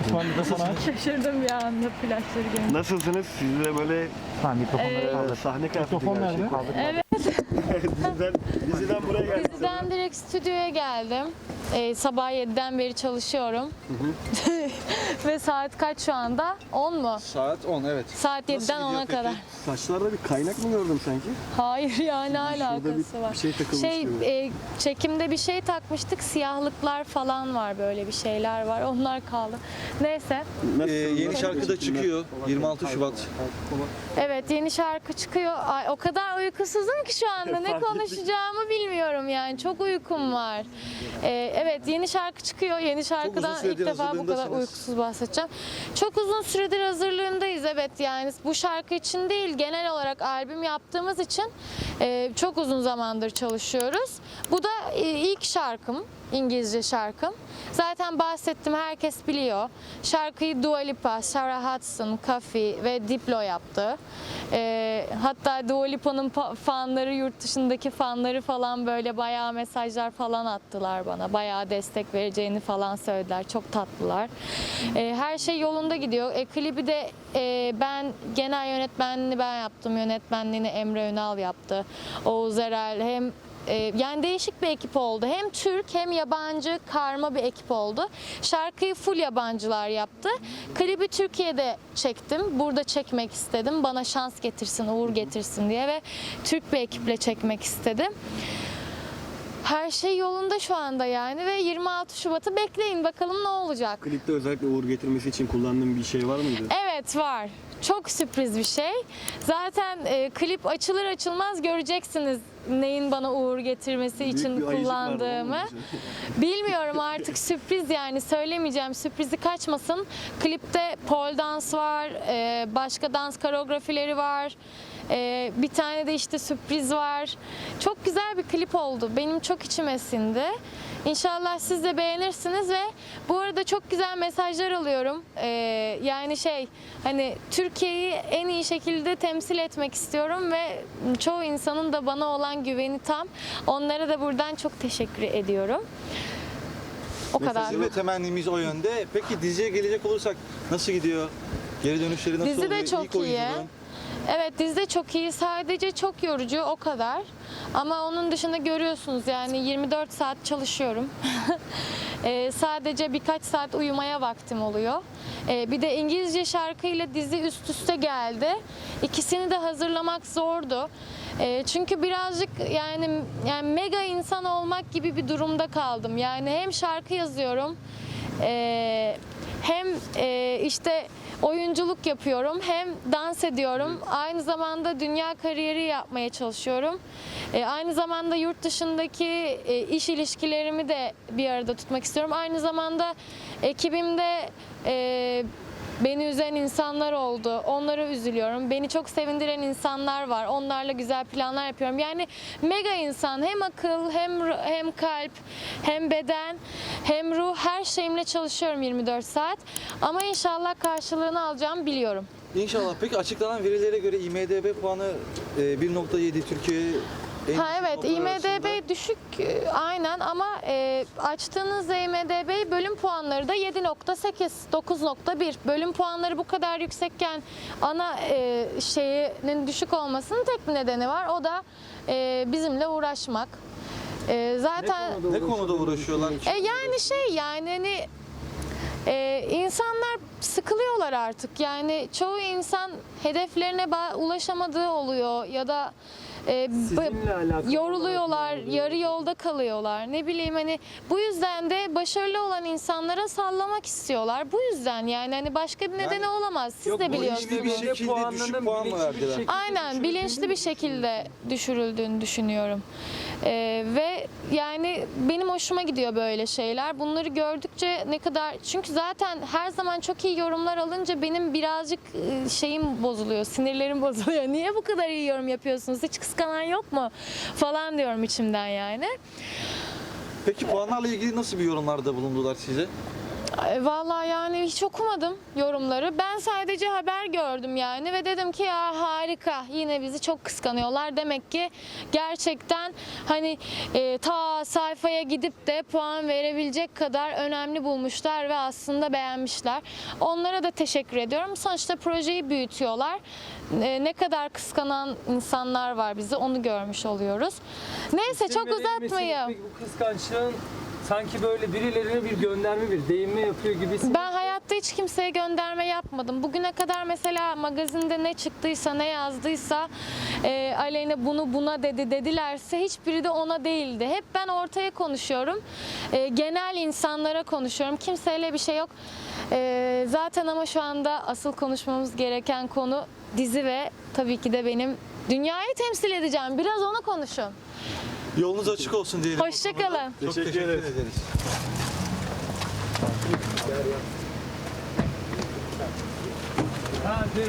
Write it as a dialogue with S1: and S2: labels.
S1: İsmail de sana.
S2: Şaşırdım bir anda flaşları görünce.
S3: Nasılsınız? Siz de böyle
S1: Tamam mikrofonları kaldır.
S3: sahne kıyafeti
S1: Mikrofon nerede?
S3: gerçekten.
S2: Evet,
S3: Diziden buraya geldiniz.
S2: diziden direkt stüdyoya geldim. Sabah 7'den beri çalışıyorum. Ve saat kaç şu anda? 10 mu?
S4: Saat 10 evet.
S2: Saat 7'den 10'a kadar.
S3: Saçlarda bir kaynak mı gördüm sanki?
S2: Hayır ya, ne
S3: Şurada
S2: alakası var?
S3: bir şey takılmış gibi.
S2: Çekimde bir şey takmıştık. Siyahlıklar falan var, böyle bir şeyler var. Onlar kaldı. Neyse.
S4: Yeni şarkı da çıkıyor 26 Şubat.
S2: Evet, yeni şarkı çıkıyor. Ay, o kadar uykusuzum ki şu anda ne konuşacağımı bilmiyorum yani. Çok uykum var. Evet, yeni şarkı çıkıyor. Yeni şarkıdan ilk
S4: süredir
S2: defa bu kadar
S4: hazırlığındasınız.
S2: uykusuz bahsedeceğim. Çok uzun süredir hazırlığındayız. Evet, yani bu şarkı için değil, genel olarak albüm yaptığımız için çok uzun zamandır çalışıyoruz. Bu da ilk şarkım, İngilizce şarkım. Zaten bahsettim, herkes biliyor. Şarkıyı Dua Lipa, Sarah Hudson, Kafi ve Diplo yaptı. Hatta Dua Lipa'nın fanları, yurt dışındaki fanları falan böyle bayağı mesajlar falan attılar bana. Bayağı destek vereceğini falan söylediler. Çok tatlılar. Her şey yolunda gidiyor. Klibi de ben genel yönetmenliğini ben yaptım. Yönetmenliğini Emre Ünal yaptı. Oğuz Erel hem yani değişik bir ekip oldu. Hem Türk hem yabancı karma bir ekip oldu. Şarkıyı full yabancılar yaptı. Klibi Türkiye'de çektim. Burada çekmek istedim. Bana şans getirsin, uğur getirsin diye ve Türk bir ekiple çekmek istedim. Her şey yolunda şu anda yani ve 26 Şubat'ı bekleyin bakalım ne olacak.
S3: Klipte özellikle uğur getirmesi için kullandığım bir şey var mıydı?
S2: Evet, var. Çok sürpriz bir şey. Zaten klip açılır açılmaz göreceksiniz neyin bana uğur getirmesi için
S3: bir ayıcık var,
S2: kullandığımı.
S3: olmadı mı?
S2: Bilmiyorum, artık sürpriz yani, söylemeyeceğim, sürprizi kaçmasın. Klipte pole dans var, başka dans koreografileri var. Bir tane de işte sürpriz var. Çok güzel bir klip oldu. Benim çok içime sindi. İnşallah siz de beğenirsiniz ve bu arada çok güzel mesajlar alıyorum. Yani hani Türkiye'yi en iyi şekilde temsil etmek istiyorum ve çoğu insanın da bana olan güveni tam. Onlara da buradan çok teşekkür ediyorum. O kadar.
S4: Bizim de temennimiz o yönde. Peki diziye gelecek olursak nasıl gidiyor? Geri dönüşleri nasıl
S2: Dizi
S4: oluyor?
S2: de çok
S4: İlk
S2: iyi.
S4: oyunculuğun.
S2: Evet, dizi de çok iyi. Sadece çok yorucu, o kadar. Ama onun dışında görüyorsunuz yani 24 saat çalışıyorum. Sadece birkaç saat uyumaya vaktim oluyor. Bir de İngilizce şarkıyla dizi üst üste geldi. İkisini de hazırlamak zordu. Çünkü birazcık yani mega insan olmak gibi bir durumda kaldım. Yani hem şarkı yazıyorum, hem işte oyunculuk yapıyorum, hem dans ediyorum. Aynı zamanda dünya kariyeri yapmaya çalışıyorum. Aynı zamanda yurt dışındaki iş ilişkilerimi de bir arada tutmak istiyorum. Aynı zamanda ekibimde beni üzen insanlar oldu. Onlara üzülüyorum. Beni çok sevindiren insanlar var. Onlarla güzel planlar yapıyorum. Yani mega insan, hem akıl, hem kalp, hem beden, hem ruh, her şeyimle çalışıyorum 24 saat. Ama inşallah karşılığını alacağım, biliyorum.
S4: İnşallah. Peki açıklanan verilere göre IMDb puanı 1.7 Türkiye en
S2: Ha
S4: düşük
S2: evet,
S4: notlar arasında.
S2: IMDb düşük aynen ama açtığınızda IMDb bölüm puanları da 7.8, 9.1. Bölüm puanları bu kadar yüksekken ana şeyinin düşük olmasının tek bir nedeni var. O da bizimle uğraşmak. Zaten
S4: Ne konuda uğraşıyorlar?
S2: yani hani insanlar sıkılıyorlar artık. Yani çoğu insan hedeflerine ulaşamadığı oluyor ya da
S3: Sizinle alakalı
S2: yoruluyorlar, yarı yolda kalıyorlar. Ne bileyim, hani bu yüzden de başarılı olan insanlara sallamak istiyorlar. Bu yüzden yani hani başka bir nedeni olamaz. Siz de biliyorsunuz.
S4: Bir şekilde düşük puan mı verdiler?
S2: Aynen, bilinçli bir şekilde düşürüldüğünü düşünüyorum. Ve yani benim hoşuma gidiyor böyle şeyler. Bunları gördükçe ne kadar... Çünkü zaten her zaman çok iyi yorumlar alınca benim birazcık şeyim bozuluyor, sinirlerim bozuluyor. Niye bu kadar iyi yorum yapıyorsunuz? Hiç kıskanan yok mu? Falan diyorum içimden yani.
S4: Peki puanlarla ilgili nasıl bir yorumlarda bulundular size?
S2: Vallahi yani hiç okumadım yorumları. Ben sadece haber gördüm yani ve dedim ki ya harika, yine bizi çok kıskanıyorlar. Demek ki gerçekten hani ta sayfaya gidip de puan verebilecek kadar önemli bulmuşlar ve aslında beğenmişler. Onlara da teşekkür ediyorum. Sonuçta projeyi büyütüyorlar. Ne kadar kıskanan insanlar var bizi, onu görmüş oluyoruz. Neyse çok uzatmayayım.
S5: Peki bu kıskançlığın sanki böyle birilerine bir gönderme, bir değinme yapıyor gibisin.
S2: Ben hayatta hiç kimseye gönderme yapmadım. Bugüne kadar mesela magazinde ne çıktıysa, ne yazdıysa Aleyna bunu buna dedilerse hiçbiri de ona değildi. Hep ben ortaya konuşuyorum. Genel insanlara konuşuyorum. Kimseyle bir şey yok. Zaten ama şu anda asıl konuşmamız gereken konu dizi ve tabii ki de benim dünyayı temsil edeceğim. Biraz onu konuşun.
S4: Yolunuz açık olsun diyelim.
S2: Hoşça kalın.
S4: Çok teşekkür ederiz.
S5: Hadi.